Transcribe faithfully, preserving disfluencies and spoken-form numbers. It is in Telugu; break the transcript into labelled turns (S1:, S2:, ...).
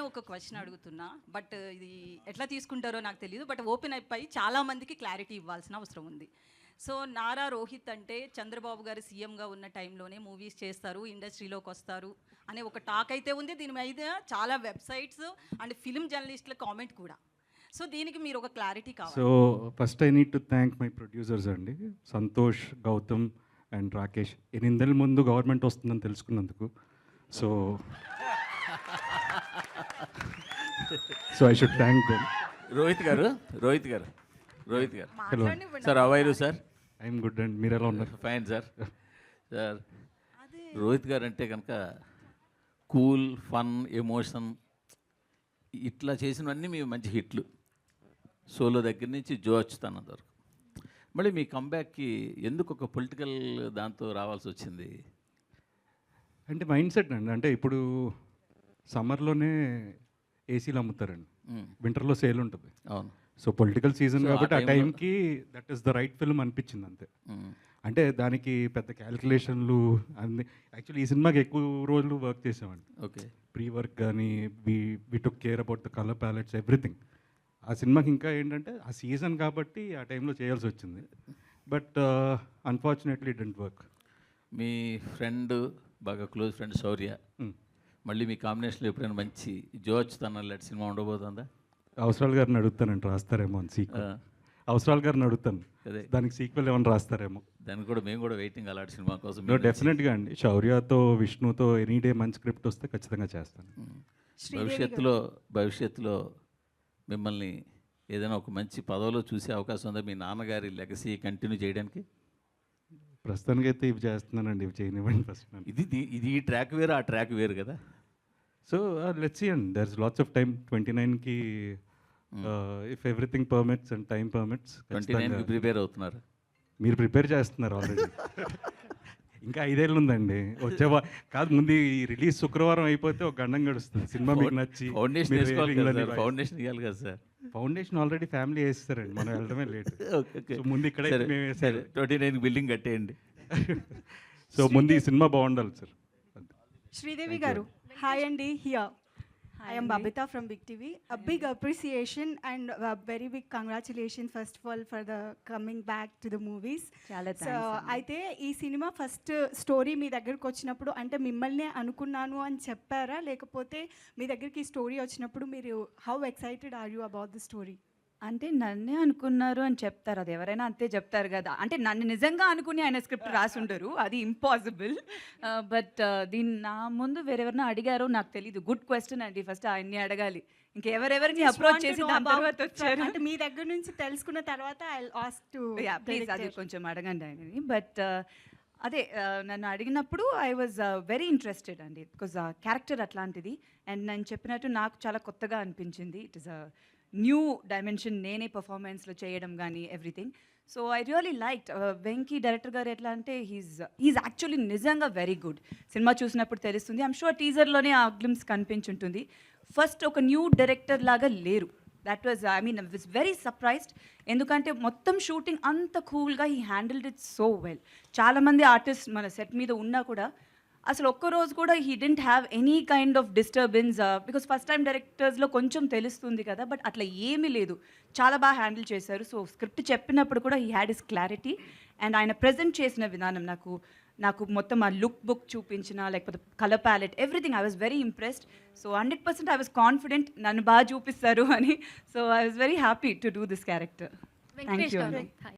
S1: ఒక క్వశ్చన్ అడుగుతున్నా, బట్ ఇది ఎట్లా తీసుకుంటారో నాకు తెలియదు. బట్ ఓపెన్ అయిపోయి చాలా మందికి క్లారిటీ ఇవ్వాల్సిన అవసరం ఉంది. సో నారా రోహిత్ అంటే చంద్రబాబు గారు సీఎంగా ఉన్న టైంలోనే మూవీస్ చేస్తారు, ఇండస్ట్రీలోకి వస్తారు అనే ఒక టాక్ అయితే ఉంది. దీని మీద చాలా వెబ్సైట్స్ అండ్ ఫిల్మ్ జర్నలిస్టుల కామెంట్ కూడా. సో దీనికి మీరు ఒక క్లారిటీ కావాలి.
S2: So first I need to thank my producers అండి, సంతోష్, గౌతమ్ అండ్ రాకేష్. ఎనిమిదేళ్ళ ముందు గవర్నమెంట్ వస్తుందని తెలుసుకున్నందుకు. So so I should thank them.
S3: Rohit garu Rohit garu Rohit garu
S2: hello
S3: sir, how are you sir?
S2: I'm good and మీరు ఎలా ఉన్నారు?
S3: Fine sir. సార్, రోహిత్ గారు అంటే కనుక కూల్, ఫన్, ఎమోషన్ ఇట్లా చేసినవన్నీ మీ మంచి హిట్లు. సోలో దగ్గర నుంచి జో అచ్యుతానంద్ వరకు. మళ్ళీ మీ కంబ్యాక్కి ఎందుకు ఒక పొలిటికల్ దాంతో రావాల్సి వచ్చింది?
S2: అంటే మైండ్ సెట్ అండి. అంటే ఇప్పుడు సమ్మర్లోనే ఏసీలు అమ్ముతారండి, వింటర్లో సేల్ ఉంటుంది.
S3: అవును.
S2: సో పొలిటికల్ సీజన్
S3: So,
S2: కాబట్టి
S3: ఆ
S2: ఆ
S3: time లో-
S2: టైంకి that is the right film అనిపించింది అంతే. అంటే దానికి పెద్ద క్యాలిక్యులేషన్లు అన్ని. యాక్చువల్లీ ఈ సినిమాకి ఎక్కువ రోజులు వర్క్ చేసామండి.
S3: ఓకే.
S2: ప్రీ వర్క్ కానీ we we took care about the colour palettes, everything. ఆ సినిమాకి ఇంకా ఏంటంటే ఆ సీజన్ కాబట్టి ఆ టైంలో చేయాల్సి వచ్చింది. But unfortunately it didn't work.
S3: మీ ఫ్రెండ్, బాగా క్లోజ్ ఫ్రెండ్ శౌర్య, మళ్ళీ మీ కాంబినేషన్లో ఎప్పుడైనా మంచి జో అచ్యుతానంద్ లాంటి సినిమా ఉండబోతుందా?
S2: అవసరాల గారిని అడుగుతానండి, రాస్తారేమో అని సీక్వెల్. అవసరాల గారిని అడుగుతాను,
S3: అదే
S2: దానికి సీక్వెల్ ఏమైనా రాస్తారేమో.
S3: దానికి కూడా మేము కూడా వెయిటింగ్ అలాంటి సినిమా కోసం.
S2: నో, డెఫినెట్గా అండి. శౌర్యతో, విష్ణుతో ఎనీ డే మంచి స్క్రిప్ట్ వస్తే ఖచ్చితంగా చేస్తాను.
S3: భవిష్యత్తులో భవిష్యత్తులో మిమ్మల్ని ఏదైనా ఒక మంచి పదవిలో చూసే అవకాశం ఉందా, మీ నాన్నగారి లెగసీ కంటిన్యూ చేయడానికి?
S2: ప్రస్తుతానికి అయితే ఇవి చేస్తున్నానండి, ఇవి చేయనివ్వండి ఫస్ట్.
S3: ఇది ది- ఇది ఈ ట్రాక్ వేరు, ఆ ట్రాక్ వేరు కదా.
S2: సో లెట్స్ సీ అండి, there is lots of time. Twenty నైన్కి if everything permits and time permits.
S3: Twenty నైన్కి ప్రిపేర్ అవుతున్నారు.
S2: మీరు ప్రిపేర్ చేస్తున్నారు ఆల్రెడీ. ఇంకా ఐదేళ్ళు ఉందండి. వచ్చే వా- కాదు, ముందు ఈ రిలీజ్ శుక్రవారం అయిపోతే ఒక గండం గడుస్తుంది. సినిమా మీకు నచ్చి
S3: ఫౌండేషన్
S2: మీరు
S3: వేసుకోవాలి
S2: రేటింగ్లు
S3: కదా
S2: అన్ని
S3: సార్,
S2: రాయి-
S3: ఫౌండేషన్ ఇవ్వాలి కదా సార్.
S2: ఫౌండేషన్ ఆల్రెడీ ఫ్యామిలీ వేస్తారండి, మనం వెళ్ళడమే లేట్.
S3: Okay, okay.
S2: సో ముందు ఇక్కడే
S3: సరే,
S2: మేము
S3: సరే,
S2: వేసారు.
S3: ట్వంటీ నైన్కి బిల్డింగ్ కట్టేయండి.
S2: సో ముందు ఈ సినిమా బాగుండాలి sir.
S4: Sridevi Garu, hi Andy here. I am Babita from Big T V. A big appreciation and a very big congratulations first of all for the coming back to the movies.
S5: చాలా
S4: సో
S5: థ్యాంక్స్.
S4: అయితే ఈ సినిమా ఫస్ట్ స్టోరీ మీ దగ్గరకు వచ్చినప్పుడు అంటే మిమ్మల్ని అనుకున్నాను అని చెప్పారా, లేకపోతే మీ దగ్గరికి ఈ స్టోరీ వచ్చినప్పుడు మీరు how excited are you about the story?
S5: అంటే నన్నే అనుకున్నారు అని చెప్తారు, అది ఎవరైనా అంతే చెప్తారు కదా. అంటే నన్ను నిజంగా అనుకుని ఆయన స్క్రిప్ట్ రాసుండరు, అది ఇంపాసిబుల్. బట్ దీన్ని నా ముందు వేరెవరినో అడిగారో నాకు తెలీదు. గుడ్ క్వశ్చన్ అండి, ఫస్ట్ ఆయన్ని అడగాలి. ఇంకెవరెవరిని అప్రోచ్ చేసి దాని తర్వాత వచ్చారు
S4: అంటే మీ దగ్గర నుంచి తెలుసుకున్న తర్వాత ఐ ఆస్క్ టు
S5: ప్లీజ్ అది కొంచెం అడగండి ఆయనని. బట్ అదే uh, నన్ను అడిగినప్పుడు ఐ వాజ్ వెరీ ఇంట్రెస్టెడ్ అండి, బికాజ్ ఆ క్యారెక్టర్ అట్లాంటిది. అండ్ నేను చెప్పినట్టు నాకు చాలా కొత్తగా అనిపించింది. It is a new dimension, నేనే పర్ఫార్మెన్స్లో చేయడం కానీ everything. So I really liked. Venky director garu ఎట్లా అంటే హీస్ హీస్ యాక్చువల్లీ నిజంగా వెరీ గుడ్. సినిమా చూసినప్పుడు తెలుస్తుంది. ఐమ్ షూర్ టీజర్లోనే ఆ గ్లిమ్స్ కనిపించుంటుంది. ఫస్ట్ ఒక న్యూ డైరెక్టర్ లాగా లేరు. That was I mean I was very surprised. ఎందుకంటే మొత్తం షూటింగ్ అంత కూల్గా he handled it so well. చాలామంది ఆర్టిస్ట్ మన సెట్ మీద ఉన్నా కూడా అసలు ఒక్కరోజు కూడా he didn't have any kind of disturbance, because first time డైరెక్టర్స్లో కొంచెం తెలుస్తుంది కదా, బట్ అట్లా ఏమీ లేదు. చాలా బాగా హ్యాండిల్ చేశారు. సో స్క్రిప్ట్ చెప్పినప్పుడు కూడా he had is clarity. And ఆయన ప్రజెంట్ చేసిన విధానం నాకు నాకు మొత్తం ఆ లుక్ బుక్ చూపించిన, లేకపోతే colour palette, everything I was very impressed. So hundred percent I was confident నన్ను బాగా చూపిస్తారు అని. So I was very happy to do this character. Thank you.